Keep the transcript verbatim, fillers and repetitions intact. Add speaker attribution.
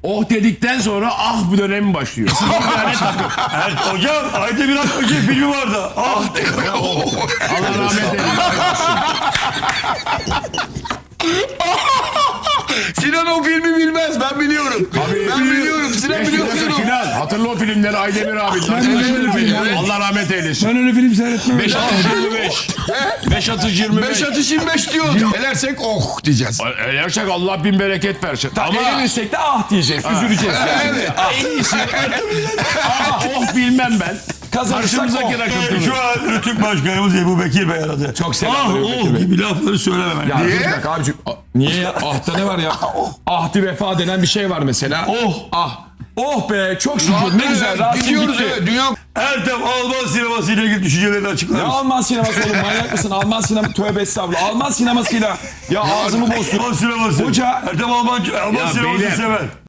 Speaker 1: Oh dedikten sonra ah bu dönemi başlıyor.
Speaker 2: Evet, hocam Aydemir Akbaş'ın filmi vardı. Ah
Speaker 1: Allah rahmet eylesin.
Speaker 3: Sinan o filmi bilmez, ben biliyorum. Ben biliyorum, Sinan biliyor musun?
Speaker 1: Sinan hatırla o filmleri Aydemir abi. Allah rahmet eylesin.
Speaker 4: Ben öyle film seyretmem.
Speaker 1: beş atış yirmi beş. beş atış yirmi beş.
Speaker 3: Beş atış yirmi beş diyor. Elersek oh diyeceğiz.
Speaker 1: Eğersek Allah bin bereket versin. Ama
Speaker 4: Yenilirsek de ah diyeceğiz. Üzüleceğiz.
Speaker 3: Evet.
Speaker 1: en iyisi ah oh bilmem ben.
Speaker 4: Kazanırsak
Speaker 1: Karşımızdaki
Speaker 4: oh.
Speaker 1: rakip.
Speaker 2: Şu an Rütük Başkanımız Ebu Bekir Bey aradı.
Speaker 4: Çok selam
Speaker 2: Ah
Speaker 4: Ebu Bekir
Speaker 2: oh
Speaker 4: Bey.
Speaker 2: gibi lafları söylememem.
Speaker 4: Ya
Speaker 3: Niye?
Speaker 4: dur bir dakika abicim. Ah, niye ya? Ah'ta ne var ya? Ahdi vefa denen bir şey var mesela.
Speaker 2: Oh.
Speaker 4: Ah. Oh be çok şükür ne güzel. Rasim
Speaker 3: Gidiyoruz
Speaker 4: gitti.
Speaker 3: evet. Dünya
Speaker 2: Ertem Alman sineması ile ilgili düşüncelerini açıklar
Speaker 4: Ne
Speaker 2: mısın?
Speaker 4: Alman sineması oğlum manyak mısın? Alman sineması tövbe estağfurullah. Alman sinemasıyla ya ağzımı bozdun.
Speaker 2: Alman sineması.
Speaker 4: Hoca-
Speaker 2: Ertem Alman, Alman
Speaker 1: Ya
Speaker 2: sineması
Speaker 1: beyler.
Speaker 2: sever.